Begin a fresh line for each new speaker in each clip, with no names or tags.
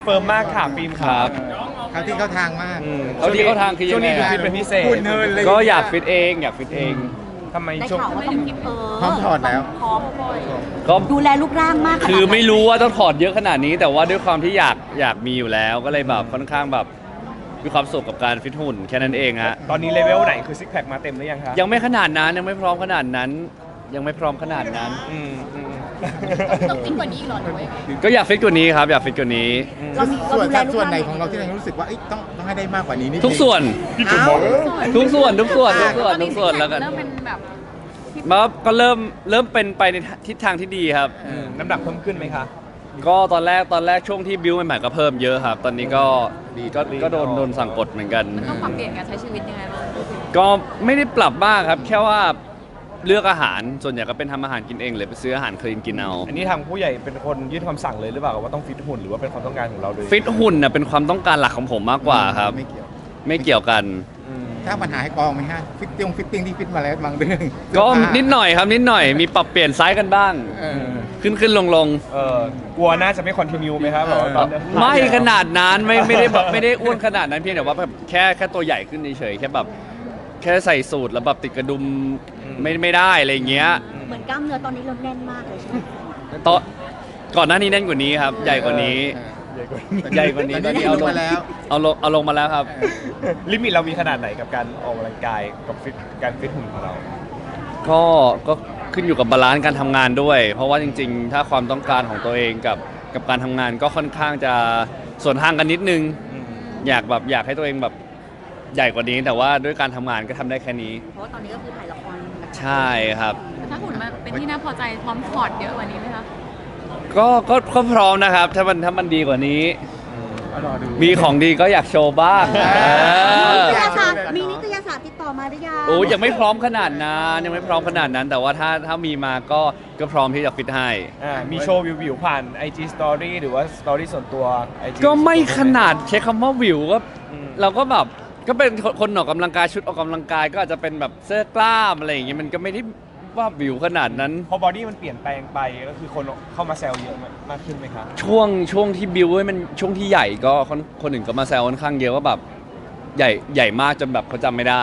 เฟิร์มมากค่ะฟิล์มครับ
เขาที่เข้าทางมาก
เอาที่เข้าทางคือยังไง
ช่วนี้ดูฟิตเป็นพิเศษ
คุณเนินเลย
ก็อยากฟิตเองอยากฟิตเอง
ทำไม
ได้
ช่วง
ข่าวว่าต้อง
พร้อมถอดแล้ว
พร้อม
ก็
ดูแลรูปร่างมากขนาดนั้น
คือไม่รู้ว่าต้องถอดเยอะขนาดนี้ แต่ว่าด้วยความที่อยากมีอยู่แล้วก็เลยแบบค่อนข้างแบบมีความสุขกับการฟิตหุ่นแค่นั้นเองฮะ
ตอนนี้เลเวลไหนคือซิกแพคมาเต็มหรือยังคะ
ยังไม่ขนาดนั้นยังไม่พร้อมขนาดนั้น ยังไม่พร้อมขนาดนั้น
อืม
ต้องฟิตกว่านี้อีกเหรอหรือว่ายังไง
ก็อยากฟิตกว่านี้ครับอยากฟิตกว่านี้
เรามีเรา
ส่วน
ดูแลรูป
ส่วน
ร่าง
ไหนของเราที่เรารู้สึกว่าต้องให้ได้มากกว่านี้นิดนึง
ทุกส่วน
อ้าว
ทุกส่วนแล้วกัน
เริ่มเป็นแบบ
มาก็เริ่มเป็นไปในทิศทางที่ดีครับ
น้ำหนักเพิ่มขึ้นไหมคะ
ก็ตอนแรกช่วงที่บิวใหม่ๆก็เพิ่มเยอะครับ ตอนนี้ก็โดนสั่งกดเหมือนกัน
มันต้องปรับเปลี่ยนการใช้ชีวิตยังไงบ้าง
ก็ไม่ได้ปรับมากครับ แค่ว่าเลือกอาหารส่วนใหญ่ก็เป็นทำอาหารกินเองหรือไปซื้ออาหารคลีนกินเอา
อันนี้ทางผู้ใหญ่เป็นคนยื่นคำสั่งเลยหรือเปล่าว่าต้องฟิตหุ่นหรือว่าเป็นความต้องการของเราเลย
ฟิตหุ่นน่ะเป็นความต้องการหลักของผมมากกว่าครับ
ไม่เกี่ยว
ไม่เกี่ยวกัน
ถ้าปัญหาให้กองไหมฮะฟิตติ้งที่ฟิตมาแล้วบางเรื่อง
ก็นิดหน่อยครับนิดหน่อยมีปรับเปลี่ยนไซส์กันบ้าง
เออ
ขึ้นลง
กลัวน่าจะไม่คอนติเนียไหมครับแบบว่าตอนเนี้ย
ไม่ขนาดนั้นไม่ได้แบบไม่ได้อ้วนขนาดนั้นเพียงแต่ว่าแบบแค่ตัวใหญ่ขึ้นเฉยๆแค่แบบแค่ใส่สูทแล้วแบบติดกระดุมไม่ได้อะไรอย่างเงี้ย
เหมือนกล้ามเนื้อตอนนี้เราแน่นมากเลยใช่ไหม
ตอนก่อนหน้านี้แน่นกว่านี้ครับใหญ่กว่านี้ ใหญ่กว่านี้
ตอนนี้เอาลงมาแล้ว
เอาลงมาแล้วครับ
ลิมิตเรามีขนาดไหนกับการออกกำลังกายกับการฟิตหุ่นของเรา
ก็ขึ้นอยู่กับบาลานซ์การทำงานด้วย เพราะว่าจริงๆ ถ้าความต้องการของตัวเองกับการทำงานก็ค่อนข้างจะส่วนทางกันนิดนึง อยากให้ตัวเองแบบใหญ่กว่านี้ แต่ว่าด้วยการทำงานก็ทำได้แค่นี้
เพราะว่าตอนนี้ก็คือถ่ายละครหนักๆ
ใช่ครับ
แต่ถ้าหุ่นมันเป็นที่น่าพอใจพร้อมถอดเยอะกว่านี้ไหมคะ
ก็พร้อมนะครับ ถ้ามันดีกว่านี้ มีของดีก็อยากโชว์บ้าง
นิตยสารมีนิตยสารติดต่อมาหรือยัง
โอ้ยังไม่พร้อมขนาดนั้นยังไม่พร้อมขนาดนั้น แต่ว่าถ้ามีมาก็พร้อมที่จะฟิตให้
มีโชว์วิวผ่าน IG Story หรือว่า Story ส่วนตัว IG
ก็ไม่ขนาดใช้คำว่าวิวก็
อืม
เราก็แบบก็เป็นคนออกกำลังกายชุดออกกำลังกายก็อาจจะเป็นแบบเสื้อกล้ามอะไรอย่างเงี้ยมันก็ไม่ได้ว่าวิวขนาดนั้น
พอบอดี้มันเปลี่ยนแปลงไปก็คือคนเข้ามาแซวเยอะมากขึ้นไหมครับ
ช่วงที่บิวให้มันช่วงที่ใหญ่ก็คนอื่นก็มาแซวค่อนข้างเยอะว่าแบบใหญ่มากจนแบบเขาจำไม่ได้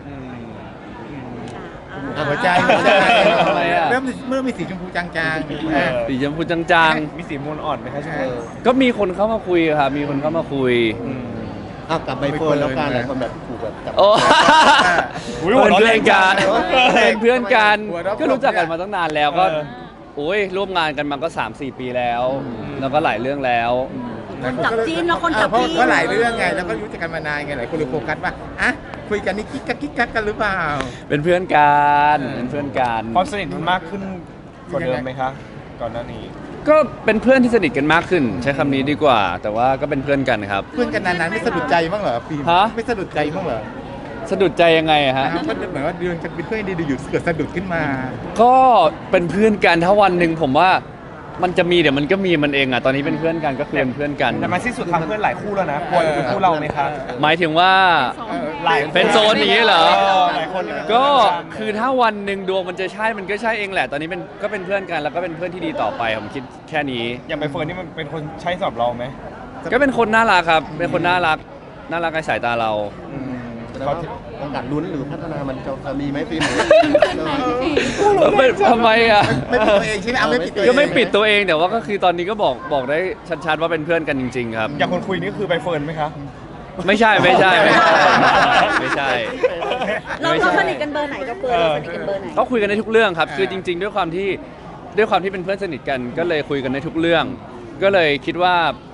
หัวใจ
ทำไมอะ
เริ่มมีสีชมพูจางๆ
สีชมพูจาง
มีสีมูลอ่อนไหมครับช่วงนี้
ๆ ก็มีคนเข้ามาคุยครับมีคนเข้ามาคุย
อ้าวกลับใบเฟิร์นแล้วกันหลายคนแบบถูกแบบจับ
โอ้
อุ๊ยหัว
เป็น
เราะ
เพื่อนกัน
แรง
เป็นเพื่อนกัน
หัวเราะ
ก็รู้จักกันมาตั้งนานแล้วก็
เออ
โอ้ยร่วมงานกันมาก็ 3-4 ปีแล้ว แล้วก็หลายเรื่องแล้ว
คนจับจีนแล้วคนจับจีน
เพราะหลายเรื่องไงแล้วก็รู้จักกันมานานไงหลายคนเลยโฟกัสว่าอ่ะคุยกันนี่กิ๊กกักกันหรือเปล่า
เป็นเพื่อนกัน
เออ
เป็นเพื่อนกัน
ความสนิทมันมากขึ้นกว่าเดิมไหมคะก่อนหน้านี้
ก็เป็นเพื่อนที่สนิทกันมากขึ้น ใช้คำนี้ดีกว่า แต่ว่าก็เป็นเพื่อนกันครับ
เพื่อนกันนานๆไม่สะดุดใจบ้างเหรอฟิล์ม
ฮะ
ไม่สะดุดใจบ้างเหรอ
สะดุดใจยังไงอะฮะ
ก็เหมือนว่าเดือนจะเป็นเพื่อนดีดูอยู่เกิดสะดุดขึ้นมา
ก็เป็นเพื่อนกันถ้าวันหนึ่งผมว่ามันจะมีเดี๋ยวมันก็มีมันเองอะตอนนี้เป็นเพื่อนกันก็คือเป็นเพื่อนกัน
แต่มาสิ้นสุดทำเพื่อนหลายคู่แล้วนะควรเป็นคู่เราไหมคะ
หมายถึงว่า
หลาย
เป็นโซนอย่างนี้เหรอ
หลายคนเนี่ย
ก็คือถ้าวันหนึ่งดวงมันจะใช่มันก็ใช่เองแหละ ตอนนี้ก็เป็นเพื่อนกันแล้วก็เป็นเพื่อนที่ดีต่อไปผมคิดแค่นี้
อย่างใบเฟิร์นนี่มันเป็นคนใช้สำหรับเราไหม
ก็เป็นคนน่ารักครับเป็นคนน่ารักในสายตาเรา
แล้วโอกาสลุ้นหรือพัฒนามันจะมีไหมฟิล์ม
ทำไมอ่ะ
ไม่ปิดตัวเองใช่ไหมเอาไม่ปิดตัวเอง
ก็ไม่ปิดตัวเองแต่ว่าก็คือตอนนี้ก็บอกได้ชัดๆว่าเป็นเพื่อนกันจริง ๆ ครับ
อย่างคนคุยนี่คือใบเฟิร์นไหมคะ
ไม่ใช่ไม่ใช่
เราสนิทกันเบอร์ไหนกับเบอร์เราสนิทกันเบอร์ไหน
เขาคุยกันในทุกเรื่องครับ คือจริง ๆ ด้วยความที่เป็นเพื่อนสนิทกัน ก็เลยคุยกันในทุกเรื่อง ก็เลยคิดว่า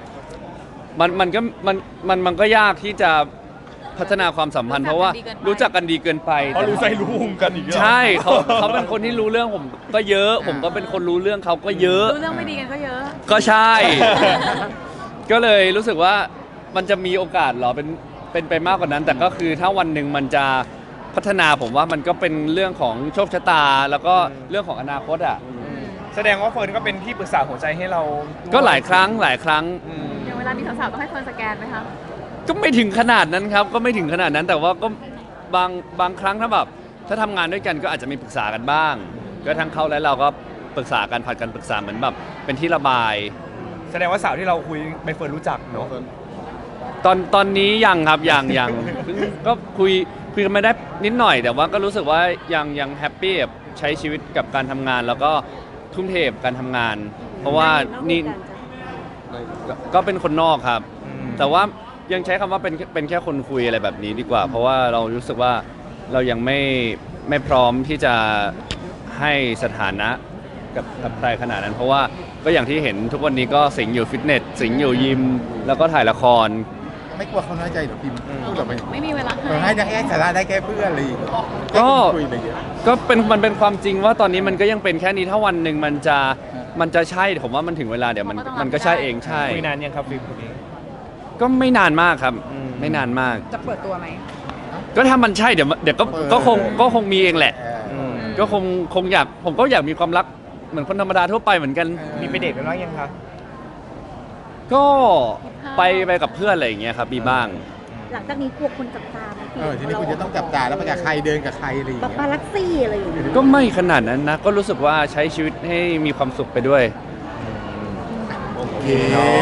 มันก็ยากที่จะพัฒนาความสัมพันธ์เพราะว่ารู้จักกันดีเกินไป
เพราะรู้ใจรู้มุมกันอีกเหรอ
ใช่เขาเป็นคนที่รู้เรื่องผมก็เยอะ ผมก็เป็นคนรู้เรื่องเขาก็เยอะ
รู้เรื่องไม่ดีกันก็เยอะ
ก็ใช่ ก็เลยรู้สึกว่ามันจะมีโอกาสเหรอเป็นไปมากกว่านั้น แต่ก็คือถ้าวันหนึ่งมันจะพัฒนาผมว่ามันก็เป็นเรื่องของโชคชะตา แล้วก็เรื่องของอนาคตอ่ะ
แสดงว่าเฟิร์นก็เป็นที่ปรึกษาหัวใจให้เรา
ก็หลายครั้ง
อย่างเวลามีสาวๆต้องให้เฟิร์นสแกนไหมคะ
ก็ไม่ถึงขนาดนั้นครับ ก็ไม่ถึงขนาดนั้น แต่ว่าก็บางครั้งถ้าแบบถ้าทำงานด้วยกันก็อาจจะมีปรึกษากันบ้าง ก็ทั้งเขาและเราก็ปรึกษากันผัดกันปรึกษาเหมือนแบบเป็นที่ระบาย
แสแสดงว่าสาวที่เราคุยใบเฟิร์นรู้จักเนาะ
ตอนนี้ยังครับยังเพิ่งก็คุยกันไม่ได้นิดหน่อย แต่ว่าก็รู้สึกว่ายังแฮปปี้กับใช้ชีวิตกับการทำงาน แล้วก็ทุ่มเทกับการทำงาน เพราะว่านี่ก็เป็นคนนอกครับ แต่ว่ายังใช้คำว่าเป็นแค่คนคุยอะไรแบบนี้ดีกว่า เพราะว่าเรารู้สึกว่าเรายังไม่พร้อมที่จะให้สถานะกับใครขนาดนั้น เพราะว่าก็อย่างที่เห็นทุกวันนี้ก็สิงอยู่ฟิตเนสสิงอยู่ยิมแล้วก็ถ่ายละคร
ไม่กลัวเขาน้อยใจหรอพิมพ์พูดออกไป
ไม่มีเวลา
ให้สาระได้แค่เพื่อนเลย
ก็
คุยไปเยอะ
ก็มันเป็นความจริงว่าตอนนี้มันก็ยังเป็นแค่นี้ถ้าวันหนึ่งมันจะใช่ผมว่ามันถึงเวลาเดี๋ยวมันก็ใช่เองใช่
คุยนานยังครับฟิล์มคนนี้
ก็ไม่นานมากครับ
อืม
ไม่นานมาก
จะเปิดตัวไหม
ก็ถ้ามันใช่เดี๋ยวก็คงมีเองแหละ ก็คงอยากผมก็อยากมีความรักเหมือนคนธรรมดาทั่วไปเหมือนกัน
มีไปเดทกันบ้างยังคะ
ก็ไปกับเพื่อนอะไรอย่างเงี้ยครับมีบ้าง
หลังจากนี้กลัวคนจับตาไหมพี่
ทีนี้คุณจะต้องจับตาแล้วไปกับใครเดินกับใครอะไรอย่าง
ปา
เงี้ย
ปาลักซี่อะไรอย่างเงี้ย
ก็ไม่ขนาดนั้นนะ ก็รู้สึกว่าใช้ชีวิตให้มีความสุขไปด้วย
โอเค